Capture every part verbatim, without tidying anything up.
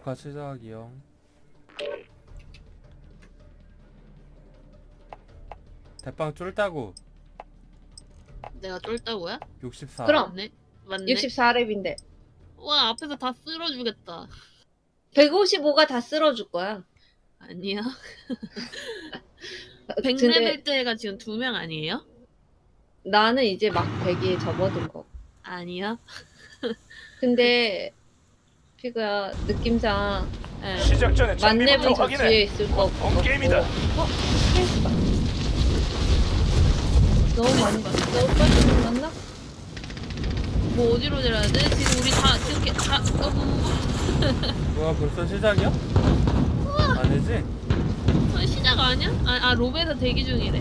녹화 시작이요. 대빵 쫄다고. 내가 쫄다고야? 육십사. 그럼. 맞네. 맞네. 육십사 렙인데 와 앞에서 다 쓸어주겠다. 백오십오가 다 쓸어줄 거야. 아니야. 근데 백 레벨 때가 지금 두 명 아니에요? 나는 이제 막 백에 접어든 거. 아니야. 근데 피그야 느낌상 네. 시작 전에 만렙은 장비부터 저 확인해. 뒤에 있을 거 같고. 본 게임이다. 어? 스페이스바. 너무 많이 너무 빨리 만났나? 뭐 어디로 내려야 돼? 지금 우리 다 지금 다 어, 뭐, 뭐, 뭐야 벌써 시작이야? 아니지? 뭐, 시작 아니야? 아, 아 로베에서 대기 중이래.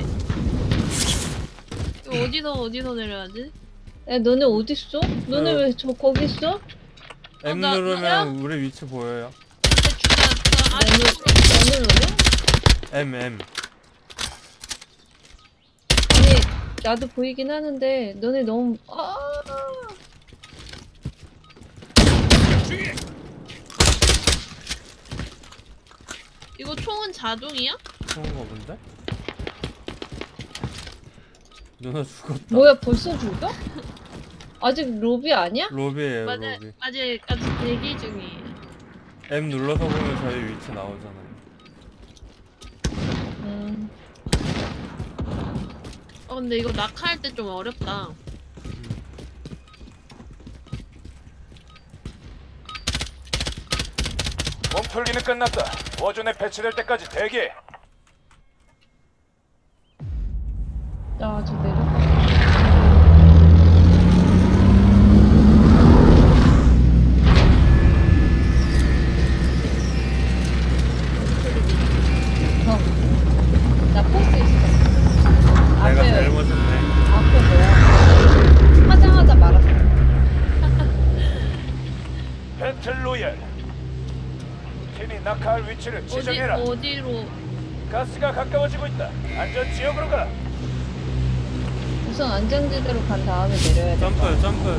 이거 어디서 어디서 내려야지? 야 너네 어딨어? 너네 어. 왜 저 거기 있어? M 나- 누르면 나야? 우리 위치 보여요. 대충 나, 나 너네 아래쪽으로 너네 노래? M M. 아니 나도 보이긴 하는데 너네 너무 아 이거 총은 자동이야? 그런 거 본데? 누나 죽었다. 뭐야 벌써 죽어? 아직 로비 아니야? 로비에요 맞아 로비. 아직 아직 대기 중이에요. M 눌러서 보면 저희 위치 나오잖아요. 음. 어 근데 이거 낙하할 때 좀 어렵다. 몸풀기는 끝났다. 워존에 배치될 때까지 대기. 야, 저 내려. 어. 나 포스 있어. 내가 앞에, 잘못했네. 앞에 뭐야? 화장하자 말았어. 배틀 로얄. 팀이 낙하할 위치를 어디 지정해라. 어디로? 가스가 가까워지고 있다. 안전 지역으로 가. 우선 안전지대로 간 다음에 내려야 돼. 점프 점프.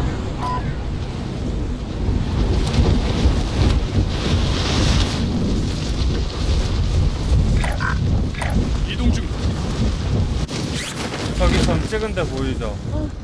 이동 중. 저기 점 찍은 데 보이죠?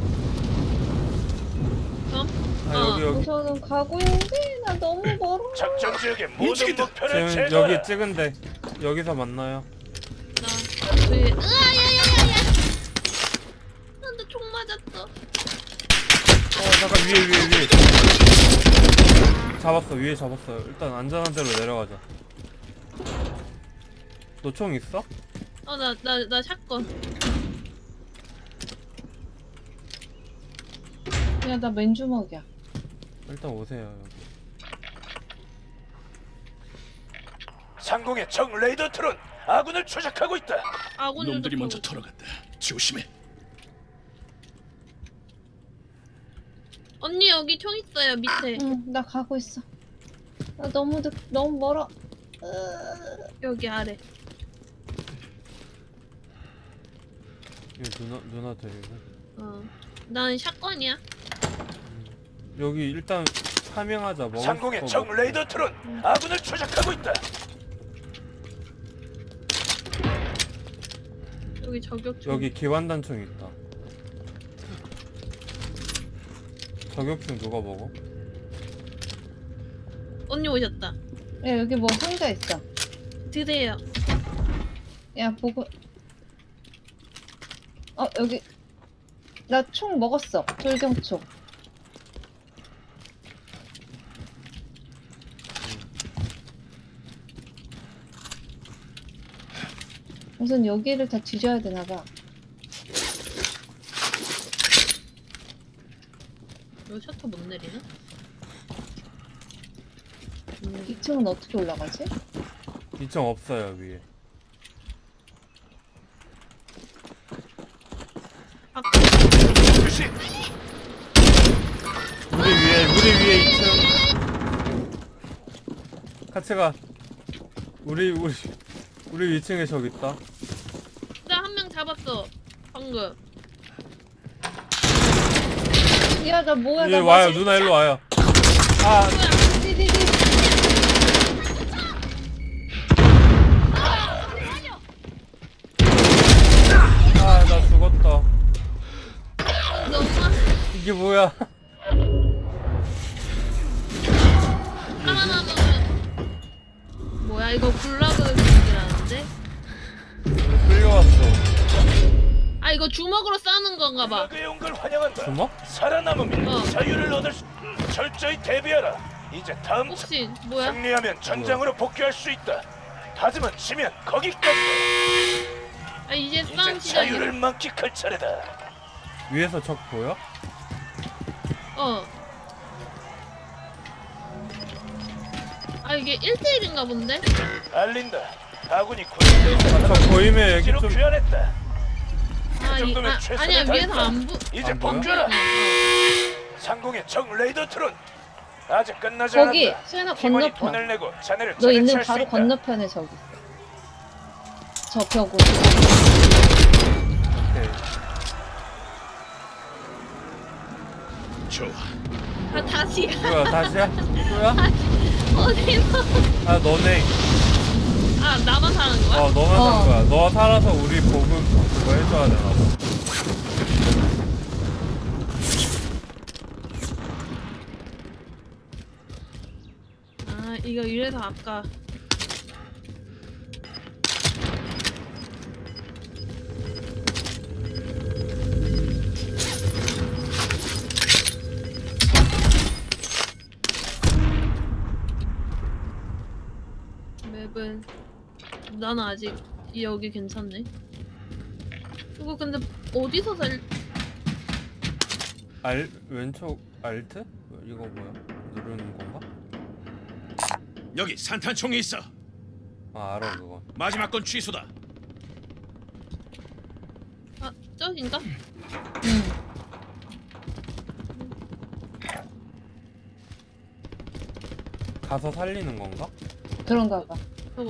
점? 아 어. 여기 여기. 우선은 가고 있는데 나 너무 멀어. 작전 지역의 모든 목표를 지금 제거해. 여기 찍은 데 여기서 만나요. 나 저기 으아야야야야. 나한테 총 맞았어. 어 잠깐 위에 위에 위에. 잡았어 위에 잡았어요. 일단 안전한 데로 내려가자. 너 총 있어? 어 나 나 나 샷건. 야, 나 맨주먹이야. 일단 오세요 여기. 상공의 적 레이더 트론 아군을 추적하고 있다. 아군 놈들이 유독 먼저 보고. 털어간다. 조심해. 언니 여기 총 있어요 밑에. 응, 나 가고 있어. 나 너무 늦, 너무 멀어. 으... 여기 아래. 이거 누나 누나 데리고. 어. 난 샷건이야. 여기 일단 파밍하자. 먹을 상공의 거 적 먹고. 레이더 트론 아군을 추적하고 있다. 여기 저격총. 여기 기관단총 있다. 저격총 누가 먹어? 언니 오셨다. 야, 여기 뭐 상자 있어. 드세요. 야, 보고. 어, 여기. 나 총 먹었어. 돌경총. 우선 여기를 다 뒤져야 되나봐. 이거 셔터 못 내리나? 이 층은 어떻게 올라가지? 이 층 없어요 위에. 아, 주시. 우리 위에 우리 위에 이 층. 같이 가. 우리 우리 우리 이 층에 적 있다. 나 한 명 잡았어. 방금. 야, 나 뭐야? 얘 나 와요 마치- 누나 일로 와요. 아 뭐야? 디디디. 이게 뭐야? 살아남으면 뭐야 이거 굴라그 기술이라는데? 끌려왔어. 아 이거 주먹으로 싸는 건가 봐. 굴라그에 온 걸 환영한다. 주먹? 살아남으면 어. 자유를 얻을 수. 철저히 대비하라. 이제 다음 차. 혹시 뭐야? 승리하면 전장으로 복귀할 수 있다. 하지만 지면 거기까지. 아 이제 이제 싸움 자유를 시작이야. 만끽할 차례다. 위에서 적 보여? 어. 아 이게 일 대일인가 본데? 알린다. 아군이 군대에서 아, 저 보이면 여기 기로 좀 귀환했다. 아, 이, 정도면 아 최선을 아니야 위에서 다했다. 안 부. 이제 안 보여? 복귀하라. 어. 상공의 적 레이더 트론. 아직 끝나지 거기 않았다. 수연아 팀원이 건너편. 돈을 내고 자네를 너 있는 차례차할 수 바로 있다. 건너편에 저기 있어. 저 벽으로. 오케이. 좋아. 아 다시야. 뭐야 다시야? 뭐야? 어디서? 아 너네. 아 나만 사는 거야? 어 너만 어. 산 거야. 너가 살아서 우리 보급 그거 해줘야 되나 봐. 아 이거 이래서 아까. 맵은 나는 아직 여기 괜찮네. 이거 근데 어디서 살? 알 왼쪽 알트? 이거 뭐야? 누르는 건가? 여기 산탄총이 있어. 아 알아 그거. 마지막 건 취소다. 아 저긴가? 응. 가서 살리는 건가? 그런가 봐. 저거.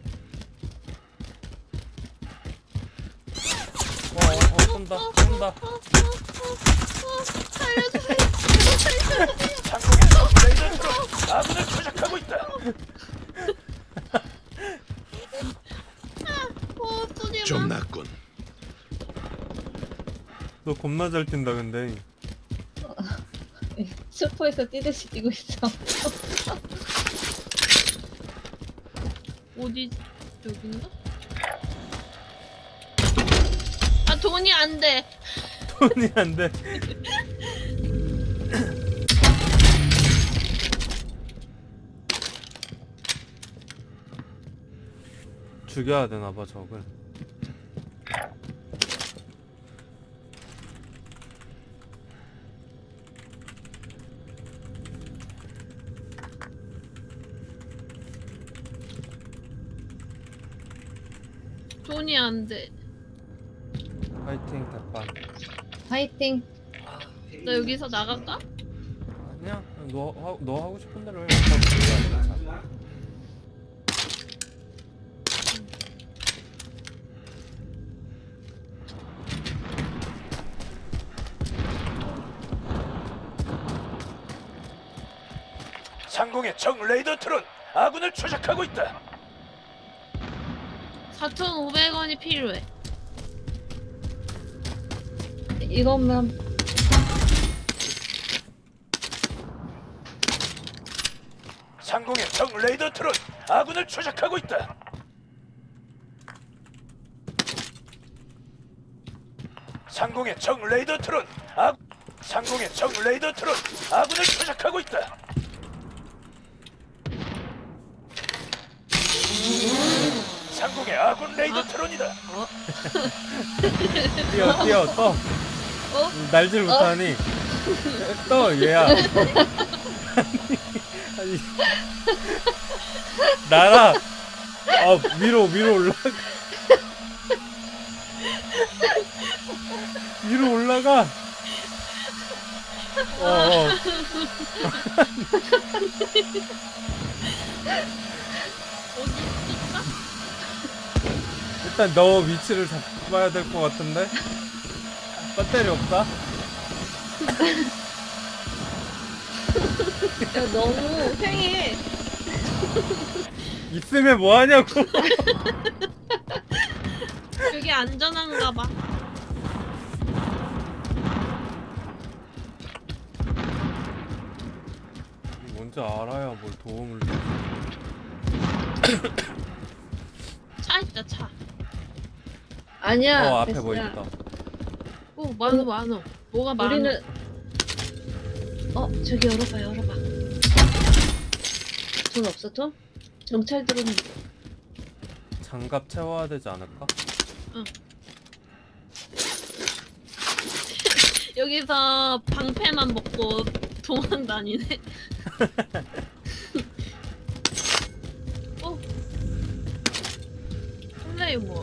어, 어, 어 쏜다 쏜다. 어, 어, 어, 어, 살려주세요. 살려주세요. 상공의 적 레이더 트론. 아군을 추적하고 있다. 어, 쏘지 마. 좀 낫군. 너 겁나 잘 뛴다 근데. 슈퍼에서 뛰듯이 뛰고 있어. 어디 여긴가? 아 돈이 안 돼. 돈이 안 돼. 죽여야 되나 봐 적을. 돈이 안 돼. 파이팅 대판. 파이팅. 나 여기서 나갈까? 아니야 너, 하, 너 하고 싶은 대로 해. 어차피 몰라, 괜찮아. 상공의 적 레이더 트론. 아군을 추적하고 있다. 사천오백 원이 필요해. 이거면 상공의 적 레이더 트론. 아군을 추적하고 있다. 상공의 적 레이더 트론. 아 상공의 적 레이더 트론. 아군을 추적하고 있다. 상공의 아군 레이더 트론이다. 어? 뛰어 뛰어 떠. 어? 날질 못하니 떠 얘야. 아니, 아니 날아. 아 위로 위로 올라가. 위로 올라가. 어, 어. 어디 있을까? 일단 너 위치를 잡아야 될 것 같은데. 배터리 없다. 야, 너무 횡해. 있으면 뭐 하냐고. 여기 안전한가 봐. 뭔지 알아야 뭘 도움을 줘. 차 있다 차. 아니야. 어 앞에 베스야. 뭐 있다. 오 많어 많어. 뭐가 많어? 우리는 어 저기 열어봐 열어봐. 돈 없어 돈? 경찰 들어오는. 장갑 채워야 되지 않을까? 여기서 방패만 먹고 도망 다니네. 어? 플레이 뭐?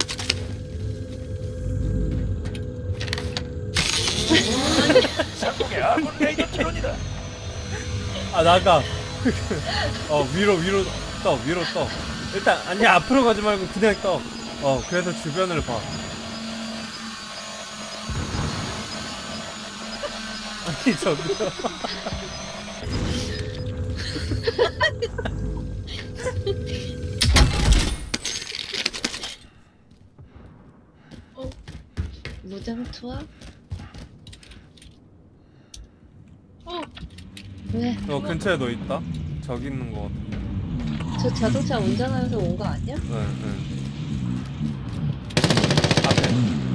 상공의 아군 레이더 트론이다. 아 나가. 어 위로 위로 떠 위로 떠. 일단 아니 앞으로 가지 말고 그냥 떠. 어 그래서 주변을 봐. 아니 저기요. 무장 투하? 어? 왜? 어 근처에 너 있다. 저기 있는 거 같은데. 저 자동차 운전하면서 온 거 아니야? 응 응. 앞에.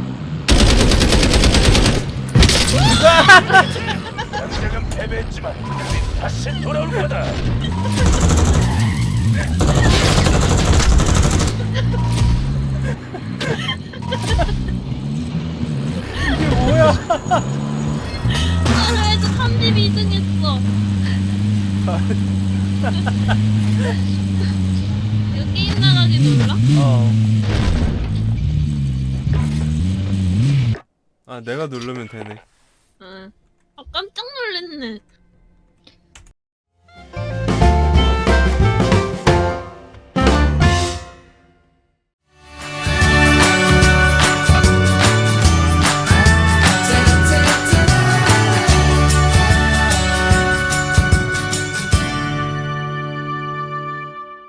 당장은 패배했지만 우리 다시 돌아올 거다. 이게 뭐야? 나라에서 삼십이 등 했어. 이거 게임 나가기 눌러? 어. 아 내가 누르면 되네. 응. 아 깜짝 놀랐네.